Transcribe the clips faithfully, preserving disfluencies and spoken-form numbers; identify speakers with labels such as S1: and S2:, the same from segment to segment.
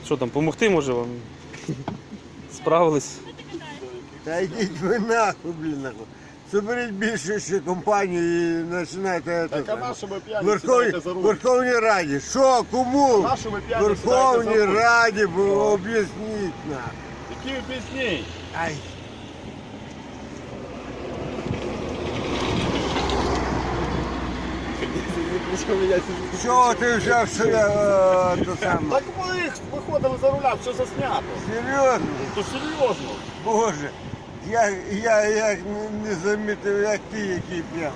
S1: Що там, помогти може вам? Справились?
S2: Та йдіть ви нахуй, блін, нахуй. Соберіть більше ще компанію і починайте
S3: Так а на що ви п'яні
S2: Верховній,
S3: сідаєте за руль?
S2: Верховній Раді. Що, кому?
S3: На що ви п'яні сідаєте
S2: Верховній
S3: за руль?
S2: Раді, бо об'ясніть нам.
S3: Які ви пісні?
S2: Ай. Чого ти взяв себе е, то саме?
S3: Так ви виходили за руля, все заснято.
S2: Серйозно?
S3: То серйозно.
S2: Боже, я, я як не, не замітив, як ти, який п'яний.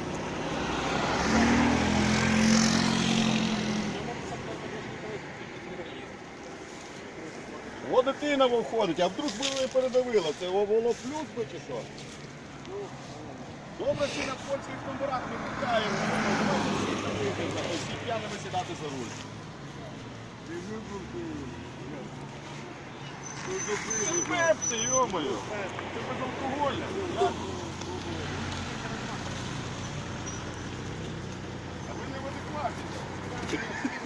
S3: О, дитина виходить, а вдруг би ви передавило, це було плюс би чи що? Добре, всі на польських номерах не питаємо, всі п'яними сідати за руль. Це пепси, йомою, це безалкогольне. А ви не в адекваті.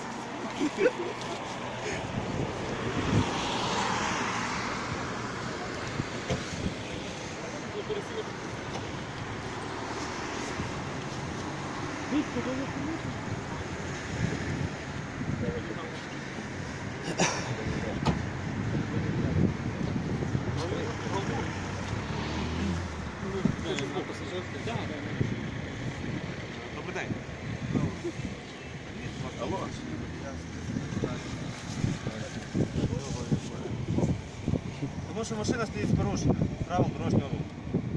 S4: Добрий день.
S3: Алло.
S4: Тому що машина стоїть з порушенням правил дорожнього руху.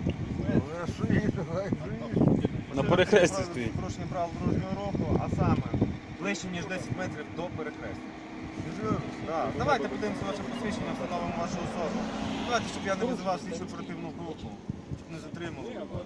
S1: На перехресті
S4: Машина
S1: стоїть.
S4: з порушенням правил дорожнього руху, а саме ближче, ніж десять метрів до перехрестя. Да. Давайте подивимося ваше посвідчення, встановимо вашу особу. Давайте, щоб я не визивав слідчу оперативну групу, щоб не затримали.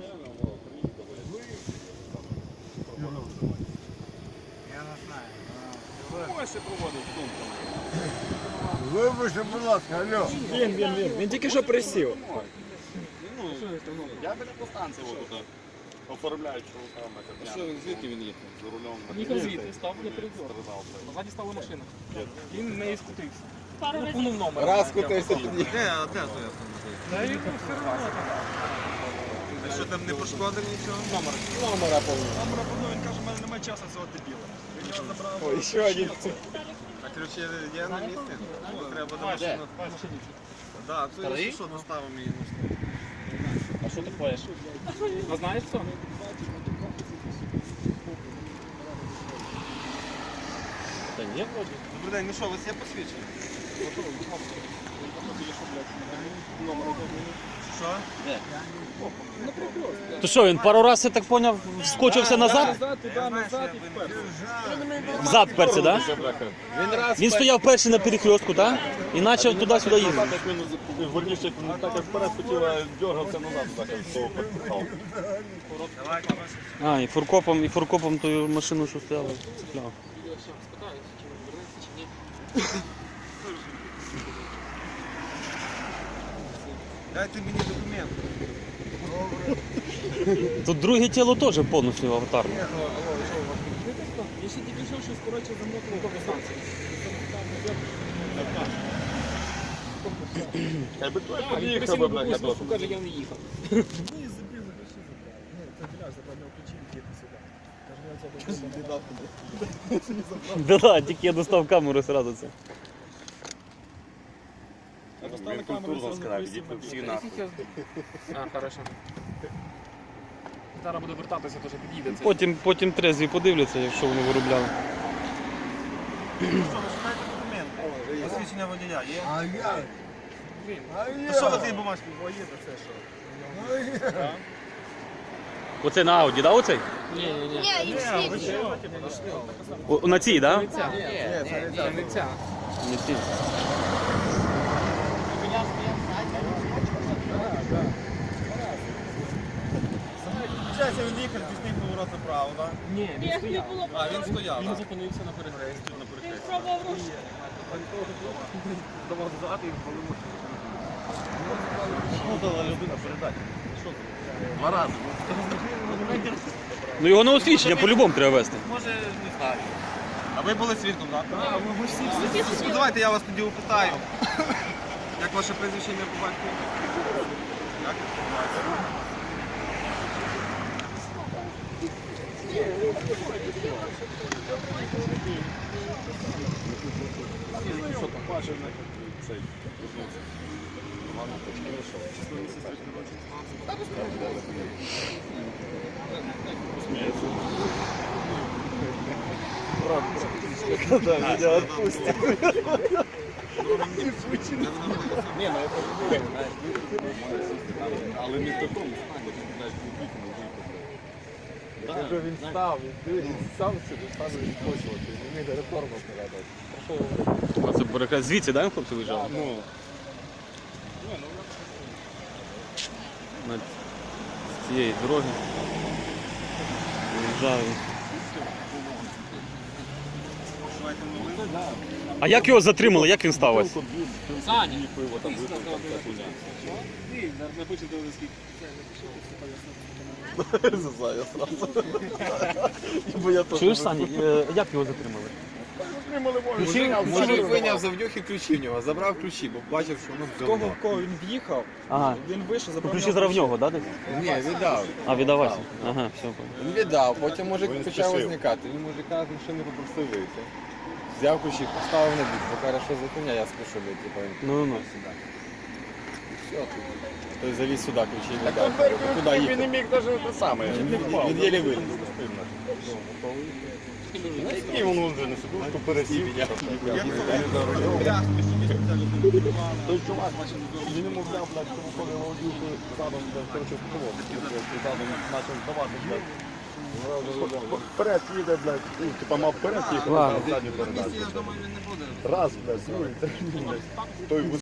S4: Я не знаю.
S3: Ось це проводить з думками.
S2: Вибачте, будь ласка, алло.
S5: Він, він, він. Він тільки що присів.
S3: Ну, я біля по станції от, оформляю чоловіками. А що, звідки він їхав? За рулем?
S5: Їхав звідти, став на передзор. Назаді стала машина. Він не скутився. Пунув номер.
S3: Раз кутився тоді.
S4: Де, а де то я там?
S5: Та він все одно там.
S4: А що там не пошкодив нічого?
S5: Номер.
S3: Номера повинні.
S4: Номера подав, він каже, в мене немає часу цього дебіла. Він його забрав.
S3: Ой, ще один.
S4: А ключі є на місці? Ну, треба до машину. Так, то якщо що, доставимо її.
S5: А що ти поєш? А знаєш хто?
S3: Та ні, вроді.
S4: Добрий день, ну що, у вас є посвідчення? Що?
S1: То що, він пару разів, я так поняв, вскочився назад?
S5: Назад, туди, назад і вперед.
S1: Взад перці, так?
S3: Він раз
S1: Він стояв перший на перехрестку, так? І почав туди-сюди їздити.
S3: так, як він верніше, так як вперед хотів, а дергався назад, так як того підпихав.
S4: Давайте ваше.
S1: А, і фуркопом, і фуркопом ту машину, що стояла, цепляв.
S4: Дайте мені документ.
S1: Тут друге тіло теж повністю аватарне.
S5: Я ще тільки що щось, коротше, замотував до станції.
S3: Хай би той
S5: А, він
S3: під'їхав
S5: просив
S3: би,
S5: на
S3: блядь,
S5: бабусю, каже, я не їхав.
S1: Да, да, тільки я достав камеру одразу це.
S3: Він культурно сказав, ідіть ви всі нахуй.
S5: А, хорошо. Зараз буде вертатися, теж під'їде це.
S1: Потім, потім трезві подивляться, якщо вони виробляли.
S4: Що, ви шукаєте документ? Посвідчення водія є?
S2: А я? А
S4: Ну що ви
S2: я?
S4: ці бумажки? Бо є це що?
S1: Оце на Ауді, да, оцей?
S5: Ні, ні, ні.
S6: Ні, їх слідчі.
S1: О, на цій, да?
S5: Не ця. Ні, не ця.
S1: Не цій.
S4: Зараз він їхав, пісний поворот направо, так?
S5: Ні, він стояв.
S4: А, він стояв,
S5: Він
S4: так?
S5: зупинився на перехресті.
S4: На перехресті.
S6: Пробував рушу.
S5: Давав додати і впалив машину.
S4: Ну, дала людина передати. Що це? Два рази.
S1: Ну його на освічення по-любому треба вести.
S4: Може, не знаю. Або Ви були свідком, так? Так, ми всі всі. Ну давайте я вас тоді опитаю. Як ваше прізвище ім'я по батькові? Як?
S3: Що там бачив, цей, вернувся. Роман почки вийшов. Сміється. Да, меня отпустит. Ні, ну это ж знаєш, але не в такому стані, знаєш, вікно вікно. Якщо він став, він сам собі став відпочувати, не міг реформу передати.
S1: А це переказ звідси, да, хлопці виїжджали?
S3: Ну,
S1: На з цієї дороги. Виїжджали. А як його затримали? Як він став ось?
S5: Саня.
S3: пиво там випив, там ця хуйня.
S5: Напишіть, скільки.
S3: Зазаю сразу. Бо я теж
S1: Чуєш, Саня, е, як його затримали?
S6: Мужик вийняв завдюхи ключі в нього, забрав ключі, бо бачив, що ну все.
S4: Кого в кого він в'їхав,
S1: Ага.
S4: він вийшов,
S1: Ну,
S4: забрав.
S1: ключі зараз в нього, да, десь?
S6: Ні, віддав.
S1: А, віддавайся. Ага, все, понял.
S6: Він віддав, потім мужик
S3: Він
S6: почав
S3: спішив.
S6: возникати. Він мужика з машини попросив вийти. Взяв ключі, поставив на бік, бо каже, що за хуйня, я спішу вийти. Типа, він
S1: Ну, ну.
S6: сюди. І все, тут. Той завіз сюди ключі
S3: Так
S6: віддав.
S3: он дверку
S6: Куди
S3: відкрив, він
S6: їхав?
S3: не міг навіть те саме.
S6: Він єлі виліз.
S3: І він вже на секундку пересів. Той чувак, він йому взяв, блядь, тому коли володівку задом, короче, в задом почав здавати, блядь. Вперед їде, блядь, ну, типа мав вперед їхати, а задню передачу. Раз, блядь, другий, третій, блядь. Той